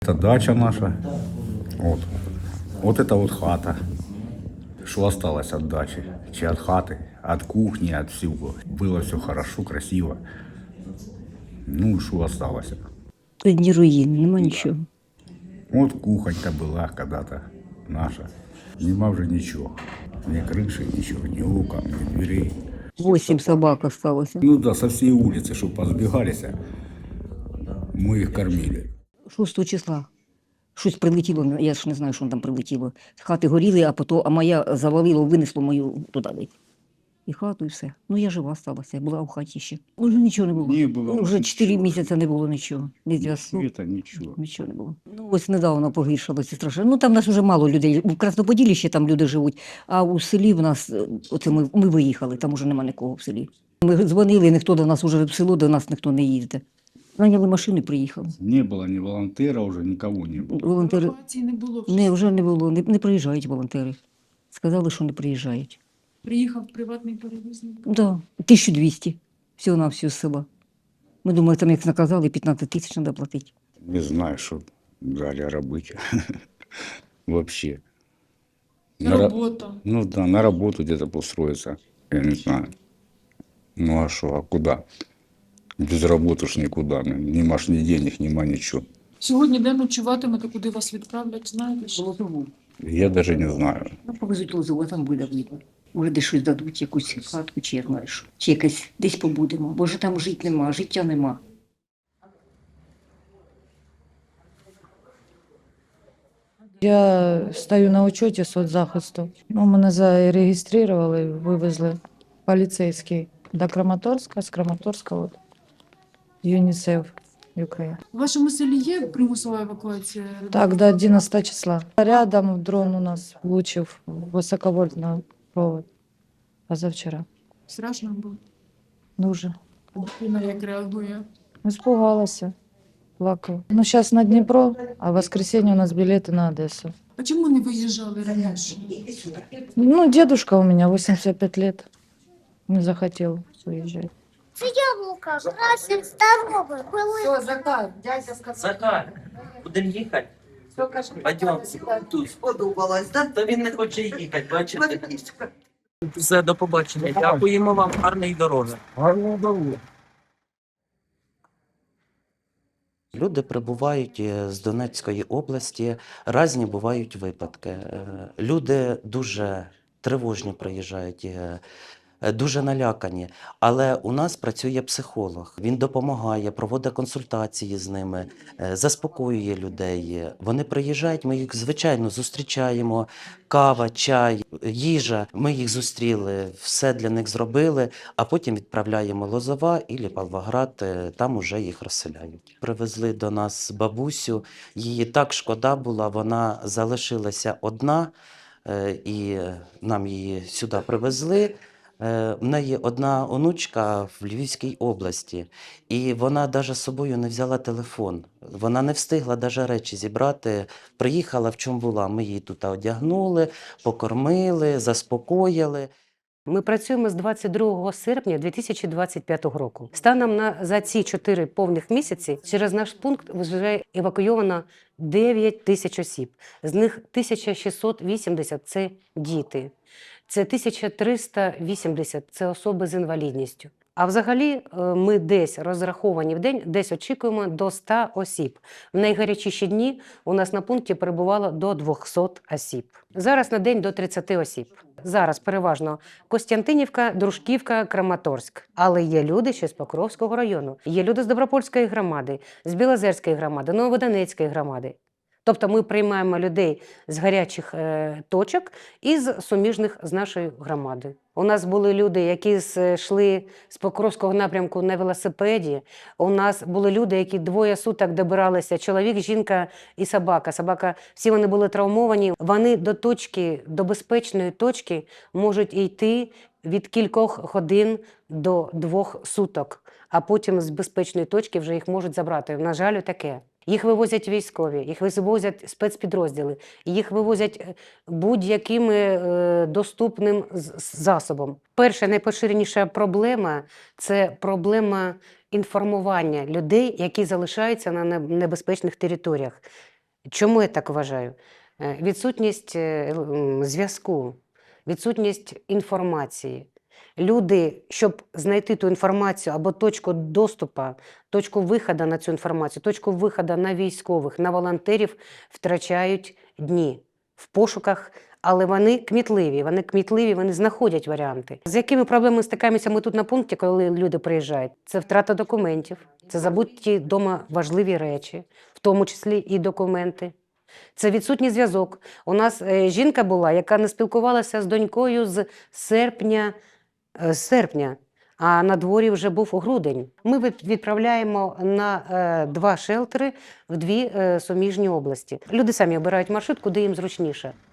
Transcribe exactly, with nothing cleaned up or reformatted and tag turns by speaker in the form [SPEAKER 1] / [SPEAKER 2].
[SPEAKER 1] Это дача наша. Вот. Вот это вот хата. Что осталось от дачи? Чи от хаты, от кухни, от всего. Было все хорошо, красиво. Ну, что осталось?
[SPEAKER 2] Ні руїн, нема нічого.
[SPEAKER 1] Вот кухонька была когда-то наша. Нема вже ничего. Ни крыши, ничего, ни окон, ни дверей.
[SPEAKER 2] Восемь собак осталося.
[SPEAKER 1] Ну да, со всей улицы, чтобы позбегались, мы их кормили.
[SPEAKER 2] шостого числа. Щось прилетіло, я ж не знаю, що там прилетіло. Хати горіли, а потім, а моя завалило, винесло мою туди. І хату, і все. Ну, я жива сталася, я була в хаті ще. Уже нічого не було.
[SPEAKER 1] Не було
[SPEAKER 2] Уже чотири
[SPEAKER 1] нічого.
[SPEAKER 2] місяці не було нічого. Ні зв'язку,
[SPEAKER 1] Это ничего.
[SPEAKER 2] нічого не було. Ну, ось недавно погіршилося страшно. Ну, там нас вже мало людей. У Красноподіллі ще там люди живуть, а у селі в нас, оце ми, ми виїхали, там уже нема нікого в селі. Ми дзвонили, ніхто до нас, уже в село до нас ніхто не їздить. Наняли машину і приїхали.
[SPEAKER 1] Не было ни волонтера, уже никого не было.
[SPEAKER 2] Волонтери...
[SPEAKER 3] Евакуації не було. вже.
[SPEAKER 2] Не, вже не було, не, не приїжджають волонтери. Сказали, що не приїжджають.
[SPEAKER 3] Приїхав приватний перевізник.
[SPEAKER 2] Да, тисячу двісті всього на всю з села. Ми думали, там як наказали, п'ятнадцять тисяч треба платити.
[SPEAKER 1] Не знаю, что дали робити. Вообще.
[SPEAKER 3] І
[SPEAKER 1] На ра-
[SPEAKER 3] робота.
[SPEAKER 1] Ну да, на работу где-то устроиться. Я не знаю. Ну а что, а куда? Без работы ж никуда. Нема ж ни денег, нема ничего.
[SPEAKER 3] Сьогодні де ночуватимете, куди вас відправлять, знаєте? що?
[SPEAKER 2] Лозову.
[SPEAKER 1] Я даже не знаю.
[SPEAKER 2] Ну, повезуть Лозову, а там буде видно. Може, десь щось дадуть, якусь хатку, чи я знаю що. Чи якесь десь побудемо. Бо ж там жити нема, життя нема.
[SPEAKER 4] Я стою на учеті соцзахисту. Ну, мене зареєстрували, вивезли поліцейський до Краматорська, з Краматорська от, ЮНІСЕФ Україна.
[SPEAKER 3] У вашому селі є примусова евакуація?
[SPEAKER 4] Так, до одинадцятого числа. Рядом дрон у нас влучив високовольтний провод позавчора.
[SPEAKER 3] Страшно було.
[SPEAKER 4] Дуже.
[SPEAKER 3] Дитина як реагує?
[SPEAKER 4] Испугалася, плакала. Ну, зараз на Дніпро, а в воскресенье у нас білети на Одесу.
[SPEAKER 3] А чому не виїжджали раніше?
[SPEAKER 4] Ну, дедушка у меня восемьдесят пять лет. Не захотел уезжать.
[SPEAKER 5] Яблуко, красный, здоровый, был.
[SPEAKER 6] Все, Захар, дядя сказал.
[SPEAKER 7] Захар, будемо їхати?
[SPEAKER 6] Все, кажи.
[SPEAKER 7] Пойдемте. Тут.
[SPEAKER 6] Сподобалось, да?
[SPEAKER 7] Та він не хоче їхати, бачите?
[SPEAKER 6] Марічка.
[SPEAKER 7] Все, до побачення. Дякуємо вам, гарної дороги. Люди прибувають е, з Донецької області, різні бувають випадки. Е, Люди дуже тривожні приїжджають, е, е, дуже налякані. Але у нас працює психолог. Він допомагає, проводить консультації з ними, е, заспокоює людей. Вони приїжджають, ми їх, звичайно, зустрічаємо. Кава, чай, їжа. Ми їх зустріли, все для них зробили, а потім відправляємо Лозова і Павлоград, е, там уже їх розселяють. Привезли до нас бабусю, її так шкода була, вона залишилася одна, е, і нам її сюди привезли. Е, В неї одна онучка в Львівській області, і вона навіть з собою не взяла телефон. Вона не встигла навіть речі зібрати. Приїхала, в чому була. Ми її тут одягнули, покормили, заспокоїли.
[SPEAKER 8] Ми працюємо з двадцять другого серпня дві тисячі двадцять п'ятого року. Станом на за ці чотири повних місяці через наш пункт вже евакуйовано дев'ять тисяч осіб. З них тисяча шістсот вісімдесят – це діти. Це тисяча триста вісімдесят – це особи з інвалідністю. А взагалі ми десь розраховані в день, десь очікуємо до ста осіб. В найгарячіші дні у нас на пункті перебувало до двохсот осіб. Зараз на день до тридцяти осіб. Зараз переважно Костянтинівка, Дружківка, Краматорськ. Але є люди ще з Покровського району, є люди з Добропольської громади, з Білозерської громади, Новодонецької громади. Тобто ми приймаємо людей з гарячих е, точок і з суміжних з нашої громади. У нас були люди, які йшли з Покровського напрямку на велосипеді. У нас були люди, які двоє суток добиралися, чоловік, жінка і собака. Собака, всі вони були травмовані. Вони до точки, до безпечної точки можуть йти від кількох годин до двох суток, а потім з безпечної точки вже їх можуть забрати. На жаль, таке. Їх вивозять військові, їх вивозять спецпідрозділи, їх вивозять будь-яким е, доступним засобом. Перша найпоширеніша проблема – це проблема інформування людей, які залишаються на небезпечних територіях. Чому я так вважаю? Е, Відсутність е, м, зв'язку, відсутність інформації. Люди, щоб знайти ту інформацію або точку доступу, точку виходу на цю інформацію, точку виходу на військових, на волонтерів, втрачають дні в пошуках, але вони кмітливі, вони кмітливі, вони знаходять варіанти. З якими проблемами стикаємося ми тут на пункті, коли люди приїжджають? Це втрата документів, це забуті вдома важливі речі, в тому числі і документи. Це відсутній зв'язок. У нас е, жінка була, яка не спілкувалася з донькою з серпня, е, з серпня, а на дворі вже був грудень. Ми від- відправляємо на е, два шелтери в дві е, суміжні області. Люди самі обирають маршрут, куди їм зручніше.